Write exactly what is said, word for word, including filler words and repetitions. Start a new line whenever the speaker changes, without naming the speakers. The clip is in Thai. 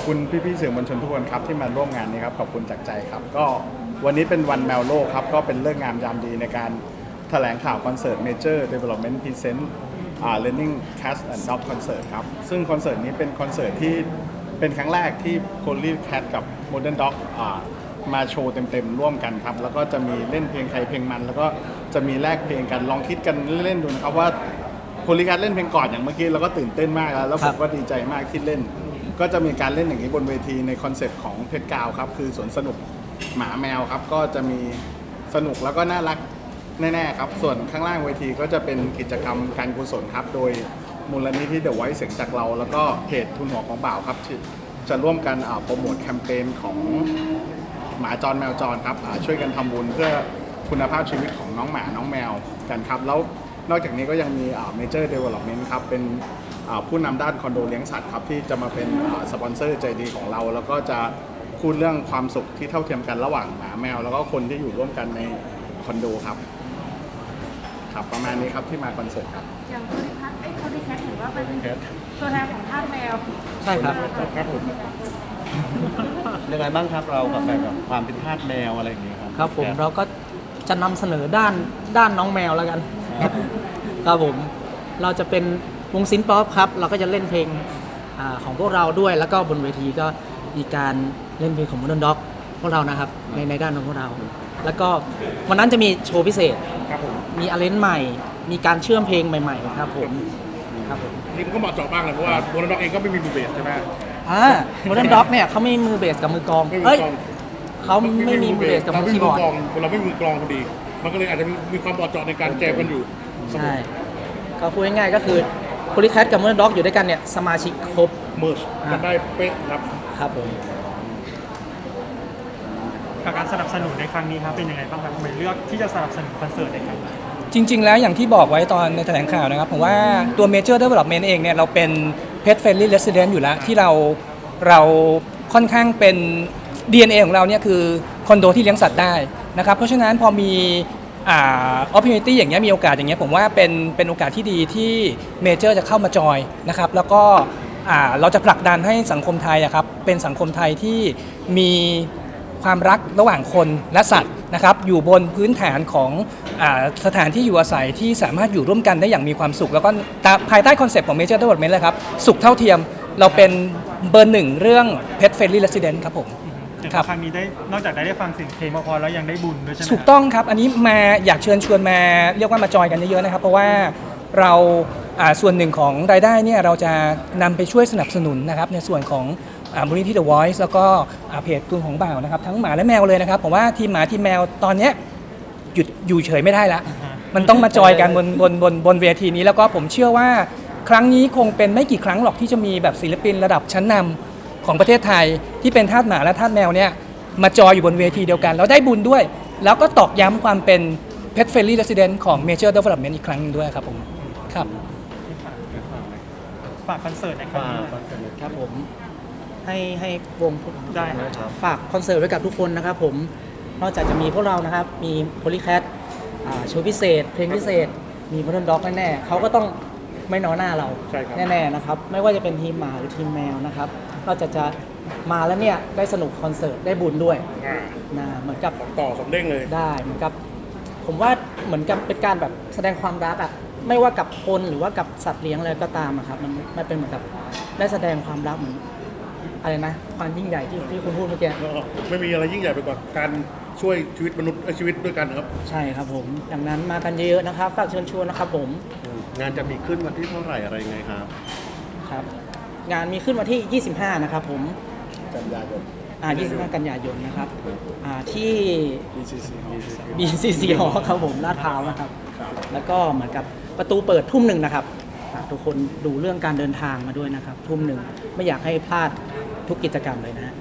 คุณพี่ๆสื่อมวลชนทุกคนครับที่มาร่วมงานนี้ครับขอบคุณจากใจครับก็วันนี้เป็นวันแมวโลกครับก็เป็นเรื่องงามยามดีในการแถลงข่าวคอนเสิร์ต Major Development Present อ่า Learning Cats and Dog Concert ครับซึ่งคอนเสิร์ตนี้เป็นคอนเสิร์ตที่เป็นครั้งแรกที่ Polly Cat กับ Modern Dog อ่ามาโชว์เต็มๆร่วมกันครับแล้วก็จะมีเล่นเพลงใครเพลงมันแล้วก็จะมีแลกเพลงกันลองคิดกันเล่นๆดูนะครับว่าโพลีแคทเล่นเพลงก่อนอย่างเมื่อกี้เราก็ตื่นเต้นมากแล้วแล้วผมก็ดีใจมากที่เล่นก็จะมีการเล่นอย่างนี้บนเวทีในคอนเซ็ปต์ของเพชรกาวครับคือสวนสนุกหมาแมวครับก็จะมีสนุกแล้วก็น่ารักแน่ๆครับส่วนข้างล่างเวทีก็จะเป็นกิจกรรมการกุศลครับโดยมูลนิธิเดอะไวท์เสียงจากเราแล้วก็เพจทุนหัวของบ่าวครับจะร่วมกันโปรโมทแคมเปญของหมาจรแมวจรครับช่วยกันทำบุญเพื่อคุณภาพชีวิตของน้องหมาน้องแมวกันครับแล้วนอกจากนี้ก็ยังมี Major Development ครับเป็นผู้นำด้านคอนโดเลี้ยงสัตว์ครับที่จะมาเป็นสปอนเซอร์ใจดีของเราแล้วก็จะพูดเรื่องความสุขที่เท่าเทียมกันระหว่างหมาแมวแล้วก็คนที่อยู่ร่วมกันในคอนโดครับครับประมาณนี้ครับที่มาคอนเสิร์ตครับ
อย่างโพลีแคทไอ้โพลีแคทเห็นว่าเป็นตัวแทนของทาสแมว
ใช่ครับ
ครับผม
ยังไงบ้างครับเรากับแบบความเป็นทาสแมวอะไรอย่างเงี้ยครับ
ครับผมเราก็จะนำเสนอด้านด้านน้องแมวแล้วกันครับผมเราจะเป็นวงซินป๊อปครับเราก็จะเล่นเพลงอาของพวกเราด้วยแล้วก็บนเวทีก็มีการเล่นเพลงของ Modern Dog พวกเรานะครับในในด้านของพวกเราแล้วก็วันนั้นจะมีโชว์พิเศษ
ครับผม
มีอาเลนใหม่มีการเชื่อมเพลงใหม่ๆครับผมครับผม
นี่มันก็เหมาะเจาะบ้างเลยเพราะว่าโมเดิร์นด็อกเองก็ไม่มีมือเบสใช่ไหม
อ่า Modern Dog เนี่ยเขาไม่มีมือเบสกับมือกลองเอ้ยเขาไม่มีมือเบสกับมือคีย์บอร์ด
เราไม่มีมือกลองพอดีมันก็เลยอาจจะมีความเหมาะเจาะในการแจมกันอยู่
ใช่ก็พูดง่ายๆก็คือโพลีแคทกับ Modern Dog อยู่ด้วยกันเนี่ยสมาชิกครบ
เมิร์ชกันได้เป๊ะครับ
ครับผม
การสนับสนุนในครั้งนี้ครับเป็นยังไงบ้างครับทำไมเลือกที่จะสนับสนุนคอนเสิร์ตในครั้งนี้
จริงๆแล้วอย่างที่บอกไว้ตอนในแถลงข่าวนะครับผมว่าตัว Major Development เองเนี่ยเราเป็น Pet Friendly Resident อยู่แล้วที่เราเราค่อนข้างเป็น ดี เอ็น เอ ของเราเนี่ยคือคอนโดที่เลี้ยงสัตว์ได้นะครับเพราะฉะนั้นพอมีอ่า opportunity อย่างเงี้ยมีโอกาสอย่างเงี้ยผมว่าเป็นเป็นโอกาสที่ดีที่ Major จะเข้ามาจอยนะครับแล้วก็อ่าเราจะผลักดันให้สังคมไทยอะครับเป็นสังคมไทยที่มีความรักระหว่างคนและสัตว์นะครับอยู่บนพื้นฐานของอ่าสถานที่อยู่อาศัยที่สามารถอยู่ร่วมกันได้อย่างมีความสุขแล้วก็ภายใต้คอนเซปต์ของ Major Development เลยครับสุขเท่าเทียมเราเป็นเบอร์หนึ่งเรื่อง Pet Friendly Resident ครับผม
ครับครั้งนี้ได้นอกจากได้ฟังเสียงเพลงพอๆแล้วยังได้บุญด้วยใช่ไหม
ถูกต้องครับอันนี้มาอยากเชิญชวนมาเรียกว่ามาจอยกันเยอะๆนะครับเพราะว่าเราส่วนหนึ่งของรายได้เนี่ยเราจะนำไปช่วยสนับสนุนนะครับในส่วนของมูลนิธิ The Voice แล้วก็เพจทุนของบ่าวนะครับทั้งหมาและแมวเลยนะครับผมว่าทีมหมาทีมแมวตอนนี้หยุดอยู่เฉยไม่ได้ละมันต้องมาจอยกันบนบนบนบนเวทีนี้แล้วก็ผมเชื่อว่าครั้งนี้คงเป็นไม่กี่ครั้งหรอกที่จะมีแบบศิลปินระดับชั้นนำของประเทศไทยที่เป็นทาสหมาและทาสแมวเนี่ยมาจอยอยู่บนเวทีเดียวกันแล้วได้บุญด้วยแล้วก็ตอกย้ำความเป็น Pet Friendly Resident ของ Major Development อีกครั้งนึงด้วยครับผมครับ
ฝากคอนเสิร์ตในครั้งนี้
ครับผมให้ให้วงได้ฝากคอนเสิร์ตไว้กับทุกคนนะครับผมนอกจากจะมีพวกเรานะครับมีโพลีแคทโชว์พิเศษเพลงพิเศษมี Modern Dog แน่ๆเขาก็ต้องไม่น้อยหน้าเราแน่ๆนะครับไม่ว่าจะเป็นทีมหมาหรือทีมแมวนะครับนอกจากจะมาแล้วเนี่ยได้สนุกคอนเสิร์ตได้บุญด้วยนะเหมือนกับ
ต่อสมเด้งเลย
ได้เหมือนกับผมว่าเหมือนกับเป็นการแบบแสดงความรักอ่ะไม่ว่ากับคนหรือว่ากับสัตว์เลี้ยงอะไรก็ตามอะครับมันมันเป็นเหมือนกับได้แสดงความรักเหมือนอะไรนะความยิ่งใหญ่ที่ที่คุณพูดเมื่อกี้
ไม่มีอะไรยิ่งใหญ่ไปกว่าการช่วยชีวิตมนุษย์ชีวิตด้วยกันครับ
ใช่ครับผมดังนั้นมากันเยอะๆนะครับฝากเชิญชวนนะครับผม
งานจะมีขึ้นวันที่เท่าไหร่อะไรยังไงครับ
ครับงานมีขึ้นวันที่ยี่สิบห้านะครับผม
กันยายน
อ่ายี่สิบห้ากันยายนนะครับอ่าที่
บี ซี ซี
บี ซี ซี หอครับผมลาดพร้าวนะครับแล้วก็เหมือนกับประตูเปิดทุ่มหนึ่งนะครับทุกคนดูเรื่องการเดินทางมาด้วยนะครับทุ่มหนึ่งไม่อยากให้พลาดทุกกิจกรรมเลยนะ